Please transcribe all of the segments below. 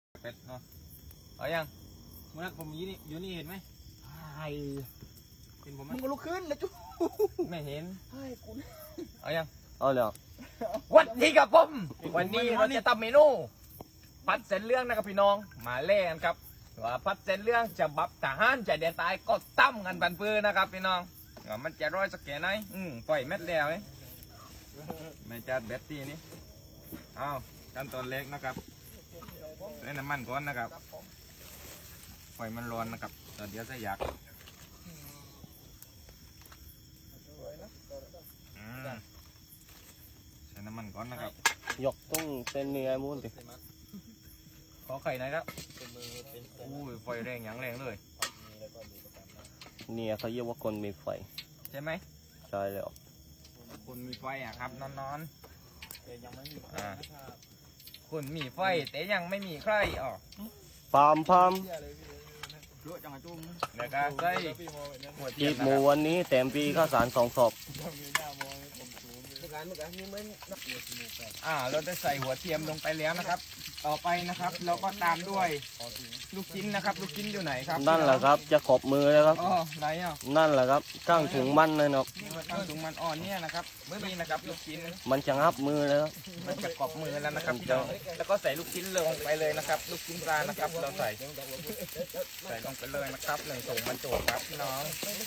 เป็ดเนาะเอายังเมื่อผมยี่นี่อยู่นี่เห็นไหมเห็นผมไหมมึงก็ลุกขึ้นแล้วจุ๊บไม่เห็นให้กูเอายังเอาแล้ววันนี้กับผมวันนี้เราจะทำเมนูพัดเส้นเรื่องนะครับพี่น้องมาเล่กันครับว่าพัดเส้นเรื่องจะบับทหารจะเดียนตายก็ตั้มกันบันปื้อนะครับพี่น้องว่ามันจะร้อยสักแค่ไหนปล่อยเม็ดแล้วไม่จัดเบ็ดตีนี้เอาขั้นตอนเล็กนะครับใส่น้ำมันก่อนนะครับปล่อยมันร้อนนะครับเดี๋ยวจะอยากใส่น้ำมันก่อนนะครับยกต้องเส้นเนื้อมูนดิขอไข่หน่อยครับอุ้ยไฟแรงอย่างแรงเลยเนี่ยเขาเรียกว่าคนมีไฟใช่ไหมใช่แล้วคุณมีไฟอ่ะครับนอนคุณมีไฟแต่ยังไม่มีใครอ๋อพามเดี๋ยวก็ใส่หัวเทีจียมบนะหมูครับวันนี้แถมปีข้าวสาร2 ศพเราจะใส่หัวเทียมลงไปแล้วนะครับ ต่อไปนะครับเราก็ตามด้วยลูกชิ้นนะครับ ลูกชิ้นอยู่ไหนครับนั่นแหละครับจะขบมือแล้วครับอ๋อไหนอ่ะนั่นแหละครับข้างถุงมันเลยนะครับข้างถุงมันอ่อนเนี่ยนะครับนี่นะครับลูกชิ้นมันจะงับมือแล้วครับมันจะกรอบมือแล้วนะครับพี่น้องแล้วก็ใส่ลูกชิ้นลงไปเลยนะครับ ลูกชิ้นปลานะครับ เราใส่ลงไปเลยนะครับหนึ่งถุงบรรจุครับพี่น้อง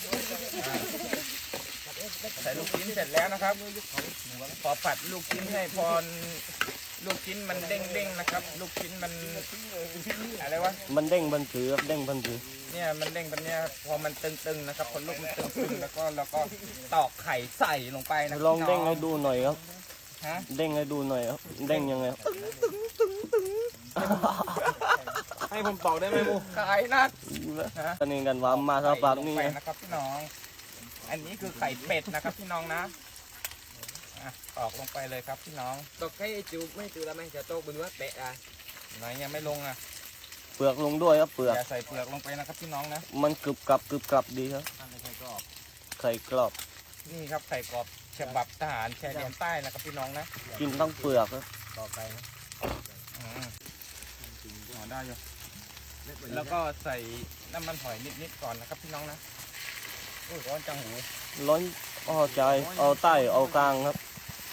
ใส่ลูกชิ้นเสร็จแล้วนะครับพอผัดลูกชิ้นให้พอลูกชิ้นมันเด้งๆนะครับ ลูกชิ้นมันอะไรวะมันเด้งบันถือครับเด้งบันถือเนี่ยมันเด้งแบบเนี้ยพอมันตึงๆนะครับพอลูกมันตึงๆแล้วก็เราก็ตอกไข่ใส่ลงไปนะลองเด้งให้ดูหน่อยครับฮะเด้งให้ดูหน่อยครับเด้งยังไงครับให้ผมตอกได้ไหมมูไข่นัดตอนนี้กันว่ามาสภาพนี้ใส่ลงไปนะครับพี่น้อง อันนี้คือไข่เป็ดนะครับพี่น้องนะตอกลงไปเลยครับพี่น้องตอกให้จูไม่จูแล้วไหมจะโต๊ะบนว่าเตะอ่ะไหนยังไม่ลงอ่ะเปลือกลงด้วยครับเปลือกอย่าใส่เปลือกลงไปนะครับพี่น้องนะมันกรึบกรับดีครับไข่กรอบไข่กรอบนี่ครับไข่กรอบฉบับทหารชายแดนใต้นะครับพี่น้องนะกินทั้งเปลือกครับต่อไปนะได้อยู่แล้วก็ใส่น้ำมันหอยนิดๆก่อนนะครับพี่น้องนะโอ้ยร้อนจังหูร้อนเอาใจเอาใต้เอากลางครับ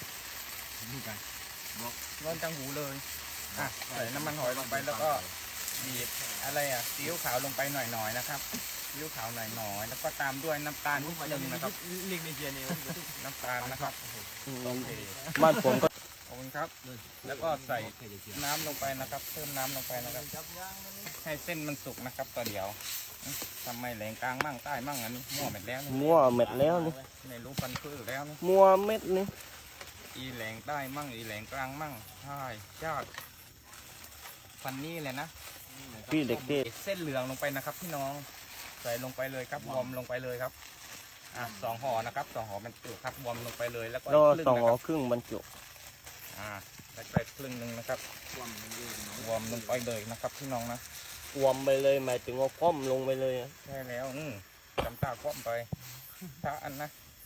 ร้อนจังหูเลยใส่น้ำมันหอยลงไปแล้วก็บีบอะไรซีอิ๊วขาวลงไปหน่อยๆนะครับซีอิ๊วขาวหน่อยๆแล้วก็ตามด้วยน้ำตาลนิดนึงนะครับลิงในเจียนี่น้ำตาลนะครับโอเคบ้านผมก็ขอบคุณครับ แล้วก็ใส่น้ำลงไปนะครับ เพิ่มน้ำลงไปนะครับ ให้เส้นมันสุกนะครับต่อเดียวทำไมแหลงกลางมั่งใต้มั่งอันนี้มั่วเม็ดแล้วนี่มั่วเม็ดแล้วนี่ไม่รู้ฟันพื้แล้วนี่มั่วเม็ดนี่อีแหลงใต้มั่งอีแหลงกลางมั่งใช่ชาติฟันนี่เลยนะพี่เด็กเทศเส้นเหลืองลงไปนะครับพี่น้องใส่ลงไปเลยครับวอร์มลงไปเลยครับ2 ห่อนะครับ2 ห่อบรรจุครับวอร์มลงไปเลยแล้วก็แล้วครึ่สองนะหัคว รับครึ่งบรรจุแล้วไปครึ่งหนึ่งนะครับวอร์มลงไปเลยนะครับพี่น้องนะวอมไปเลยหมายถึงว่าคว่ำลงไปเลยอะใช่แล้วจำตาคว่ำไปถ้าอันนะ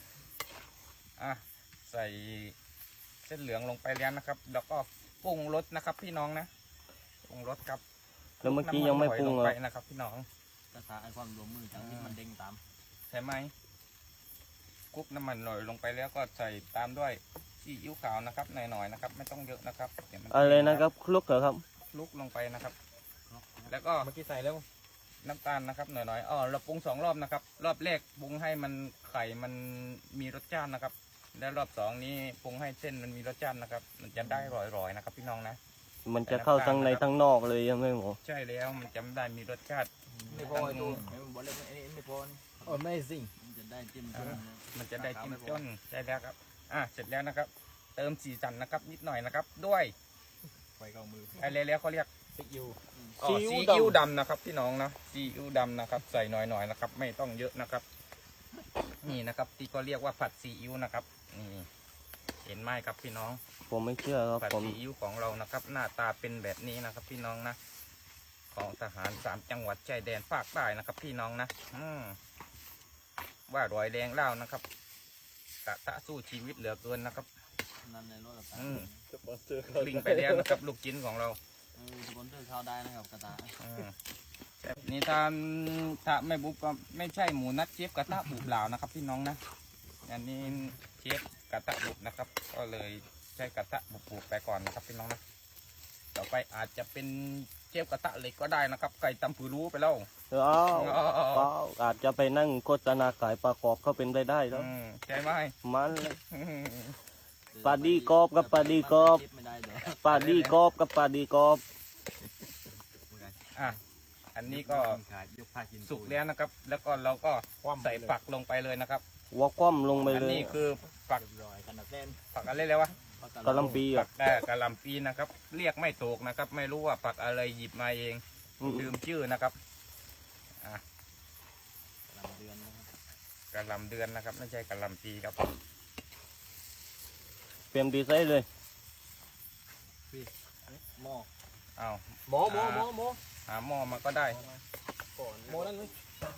ใส่เส้นเหลืองลงไปแล้วนะครับ แล้วก็ปรุงรสนะครับพี่น้องนะปรุงรสครับแล้วเมื่อกี้ยังไม่ปรุงน้ำมันหอยลเลไปยนะครับพี่น้องภาษาไอ้ความรวมมือจังที่มันเด้งตามใช่ไหมคลุกน้ำมันหน่อยลงไปแล้วก็ใส่ตามด้วยซีอิ๊วขาวนะครับหน่อยๆนะครับ ไม่ต้องเยอะนะครับเดี๋ยวมันอะไรนะครับคลุกเหรอครับคลุกลงไปนะครับ แล้วก็เมื่อกี้ใส่แล้วน้ำตาลนะครับหน่อยๆเราปรุง2 รอบนะครับ รอบแรกปรุงให้มันไข่มันมีรสชาตินะครับ แล้วรอบ2นี้ปรุงให้เส้นมันมีรสชาตินะครับ มันจะได้ร่อยๆนะครับ พี่น้องนะมันจะเข้าทั้งในทั้งนอกเลยยังไม่หมดใช่แล้วมันจะได้มีรสชาติไม่พอไอ้ตัวบอกเลยไม่พอโอ้ไม่สิมันจะได้จิ้มมันจะได้จิ้มจ้นใช่แล้วครับเสร็จแล้วนะครับ เติมสีสันนะครับ นิดหน่อยนะครับ ด้วยไฟเกามืออะไรแล้วเขาเรียกซิกยูซีอิ๊วดำนะครับพี่น้องนะซีอิ๊วดำนะครับ ใส่หน่อยๆนะครับ ไม่ต้องเยอะนะครับ นี่นะครับที่ก็เรียกว่าผัดซีอิ๊วนะครับนี่เห็นไหมครับพี่น้องผมไม่เชื่อครับผัดผมซีอิ๊วของเรานะครับ หน้าตาเป็นแบบนี้นะครับ พี่น้องนะของทหาร3 จังหวัดชายแดนภาคใต้นะครับ พี่น้องนะว่ารอยแดงเล่านะครับกะตะสู้ชีวิตเหลือเกินนะครับนั่นในรถกลิ้งไปแล้วนะครับ ลูกชิ้นของเราสปอนเซอร์เข้าได้นะครับกระตานี่ถ้าไม่บุบก็ไม่ใช่หมูนัดเชฟกระทะบุบเหล่านะครับพี่น้องนะอันนี้เชฟกระทะบุบนะครับก็เลยใช้กระทะบุบไปก่อนนะครับพี่น้องนะต่อไปอาจจะเป็นเชฟกระทะเหล็กก็ได้นะครับไก่ตำผือรู้ไปแล้วอาจจะไปนั่งโฆษณาขายปลากรอบเขาเป็นได้แล้วใช่ไหมมันเลยปลาดีกรอบกับปลาดีกรอบไม่ได้เดี๋ยวปลาดีกรอบกับปลาดีกรอบอ่ะอันนี้ก็ขายยกผ้ากินสุกแล้วนะครับ แล้วก็เราก็ใส่ผักลงไปเลยนะครับวัวคว่ำลงไปอันเลยนี้คือผักรอยกันนะเส้นผักอะไรเลยวะกะหล่ำปีผัอ่ะกกะหล่ำปีนะครับ เรียกไม่ถูกนะครับ ไม่รู้ว่าผักอะไรหยิบมาเองลืมชื่อนะครับลำเดือนนะครับกะหล่ำเดือนนะครับ ไม่ใช่กะหล่ำปีครับเปลี่ยนดีไซน์เลยหม้ออ้าวหม้อหหาหม้อมาก็ได้ก่อนหม้อนั่นเลย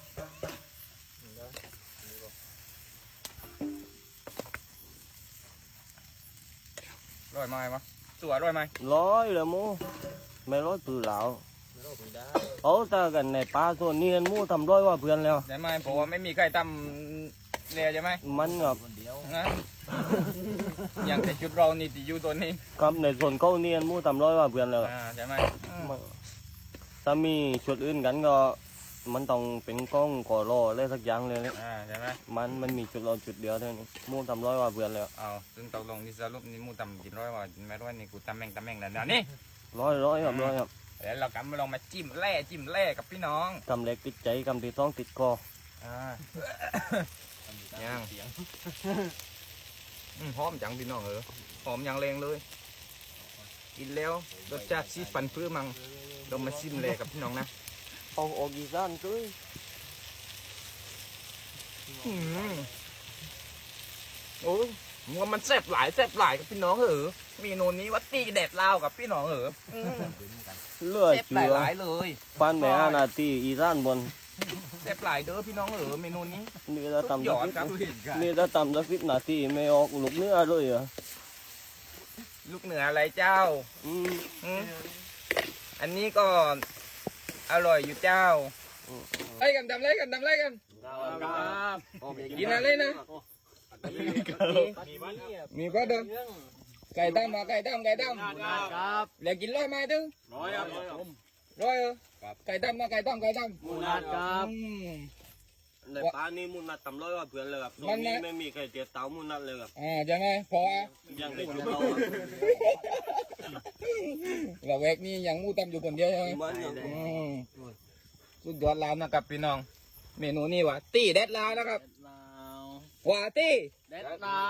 ร้อยไหมวะสวยร้อยไหมร้อยเลยมูไม่ร้อยปือเหลาไม่รู้ไม่ได้เอาแต่กันในปลาส่วนนี้มูทำร้อยว่าเพื่อนแล้วใช่ไหมเพราะว่าไม่มีใครทำเลยใช่ไหมมันกับคนเดียวนะอย่างแต่ชุดเรานี่ที่อยู่ตัวนี้กับในส่วนเขาเนียนมูทำร้อยว่าเพื่อนแล้วใช่ไหมถ้ามีชุดอื่นกันก็มันต้องเป็นกล้องก่อรออะไรสักอย่างเลยเนี่ยใช่ไหมมันมีจุดเราจุดเดียวเท่านี้มูทำร้อยว่าเพื่อนแล้วเอาซึ่งตกลงนี่สรุปนี่มูตำกินร้อยว่าไม่ร้อยนี่กูตำแม่งแล้วนะนี่ร้อยครับร้อยครับเดี๋ยวเรากำมาลองมาจิ้มแร่กับพี่น้องกำเล็กติดใจกำที่ท้องติดคอย่างหอมจังพี่น้องหอมอย่างแรงเลย กินแล้วรสชาติซีฟันพื้มังเรามาชิมเลยกับพี่น้องนะเอาออกอีสานด้วยโอ้ยมันแซ่บหลายกับพี่น้องเมนูนี้ว่าตีแดดลาวกับพี่น้องเลือดแซ่บเจือหลายเลยปันแม่อานาทีอีสานบนแซ่บหลายเด้อพี่น้องเมนูนี้นี่ถ้าทำหยสัอก ดสิบครับนี่ถ้าทำสัก10 นาทีไม่ออกลูกเนื้อเลยเหรอลูกเหนืออะไรเจ้าอืมอันนี้ก็อร่อยอยู่เจ้าไล่กันทำไรกันกินอะไรนะมีก็เดิมไก่ตั้มเดี๋ยวกินร้อยไหมตึงร้อยครับร้อยไก่ตั้มหมูนัดครับในปลานี่มุนนัดทำร้อยว่าเพื่อนเลยครับตรงมันนี้นะไม่มีใครเจ็บเต้ามุนนัดเลยครับใช่ไหมพอยังได้จุดเราเราแวกนี้ยังมูตั้มอยู่คนเดียวใช่ไหมมันยังสุดยอดแล้วนะครับพี่น้อง เมนูนี้ว่ะตีแดดลาวนะครับลาวว่าตีเด็ดลาว